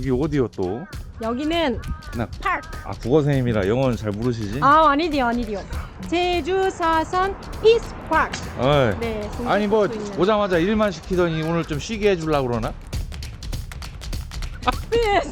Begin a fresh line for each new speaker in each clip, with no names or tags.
여기 어디요 또?
여기는
나
파크.
국어 선생님이라 영어는 잘 모르시지?
아니디요. 제주 4선 피스 파크.
어이.
네.
아니 뭐
생각하고 있는.
오자마자 일만 시키더니 오늘 좀 쉬게 해주려고 그러나?
네.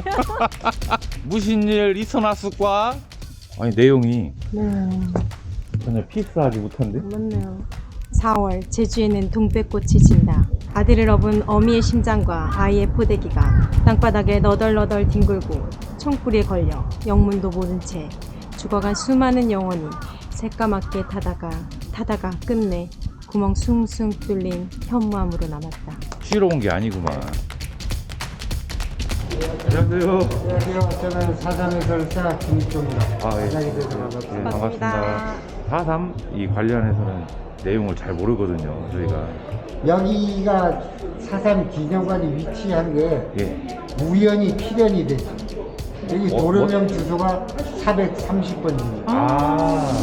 무슨 일 있어놨을까? 아니 내용이
네.
전혀 피스하지 못한데?
맞네요. 4월 제주에는 동백꽃이 진다. 아들을 업은 어미의 심장과 아이의 포대기가 땅바닥에 너덜너덜 뒹굴고 총불에 걸려 영문도 모른 채 죽어간 수많은 영혼이 새까맣게 타다가 끝내 구멍 숭숭 뚫린 현무암으로 남았다.
쉬러 온 게 아니구만. 안녕하세요.
안녕하세요. 저는 사삼해설사 김익조입니다.
아, 예.
반갑습니다.
반갑습니다. 4.3 이 관련해서는 내용을 잘 모르거든요. 저희가
여기가 사삼 기념관이 위치한 게
예.
우연히 필연이 됐죠. 여기 도로명 주소가 430번입니다.
아.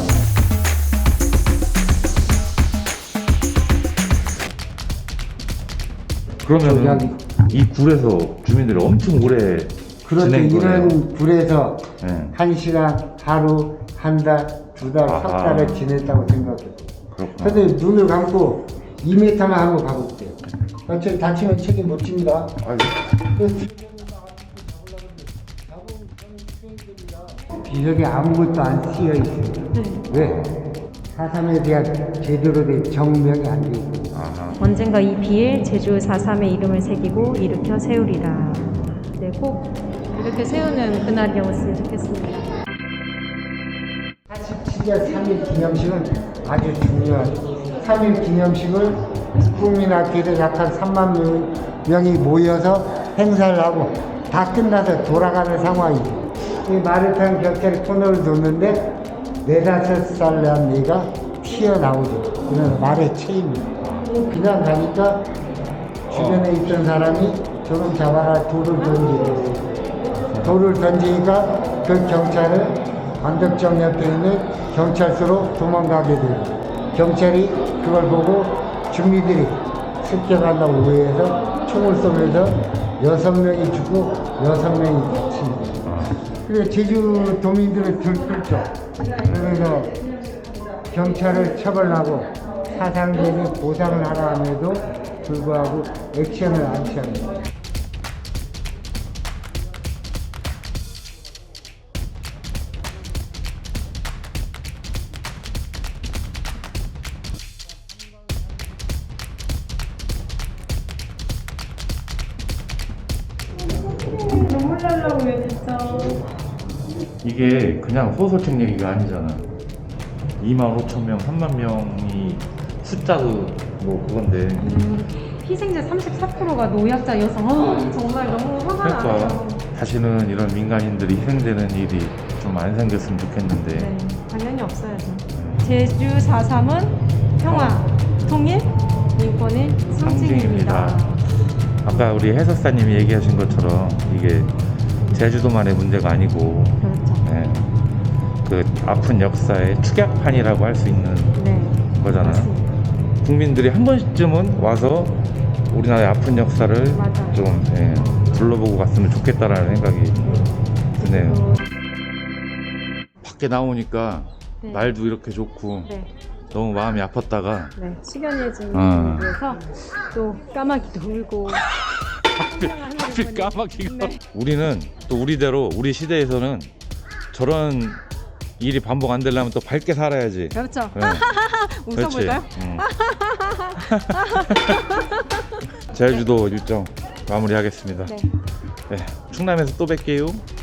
그러면
여기.
이 굴에서 주민들이 엄청 오래
그렇죠.
지낸 거네요.
이런 굴에서
네.
1시간, 하루, 한 달, 두 달, 석
아하.
달을 지냈다고 생각해요.
그렇구나.
근데 눈을 감고 2m만 한번 가볼게요. 저 다치면 책임 못 집니다. 비석에 아무것도 안 쓰여 있어요. 왜? 사삼에 대한 제대로 된 정명이 안 돼 있고.
아하.
언젠가 이 비에 제주 4.3의 이름을 새기고 일으켜 세우리라. 네, 꼭 이렇게 세우는 그날이 오셨으면 좋겠습니다.
47년 3일 기념식은 아주 중요하죠. 3일 기념식을 국민학교에 약 한 3만 명이 모여서 행사를 하고 다 끝나서 돌아가는 상황이죠. 이 마라탕 격차를 코너를 뒀는데 4~5살 난 애가 튀어나오죠. 이건 말의 체입니다. 그냥 가니까 주변에 있던 사람이 저놈 잡아라 돌을 던지고 돌을 던지니까 그 경찰을 안덕정 옆에 있는 경찰서로 도망가게 돼요. 경찰이 그걸 보고 주민들이 습격한다고 오해해서 총을 쏘면서 6명이 죽고 6명이 다칩니다. 그래서 제주 도민들을 들끓죠. 그래서 경찰을 처벌하고 사상적인 보상을 하라 함에도 불구하고 액션을 안 취합니다.
눈물 날라고 왜 진짜.
이게 그냥 소설책 얘기가 아니잖아. 25,000명, 3만 명이 숫자도 뭐 그건데.
희생자 34%가 노약자 여성. 정말 너무 화가 나요.
그러니까 다시는 이런 민간인들이 희생되는 일이 좀 안 생겼으면 좋겠는데.
네, 당연히 없어야죠. 제주 4.3은 평화, 통일, 민권의 상징입니다.
아까 우리 해설사님이 얘기하신 것처럼 이게 제주도만의 문제가 아니고
그렇죠.
네, 그 아픈 역사의 축약판이라고 할 수 있는
네.
거잖아.
맞습니다.
국민들이 한 번쯤은 와서 우리나라의 아픈 역사를
맞아요.
좀 둘러보고 갔으면 좋겠다라는 생각이 드네요. 밖에 나오니까
네.
날도 이렇게 좋고
네.
너무 마음이 아팠다가
네. 숙연해지기
아.
위해서 또 까마귀도 울고
하필 까마귀가
네.
우리는 또 우리대로 우리 시대에서는 저런 일이 반복 안 되려면 또 밝게 살아야지.
그렇죠.
네.
웃어볼까요?
제주도 일정 마무리하겠습니다.
네.
네, 충남에서 또 뵐게요.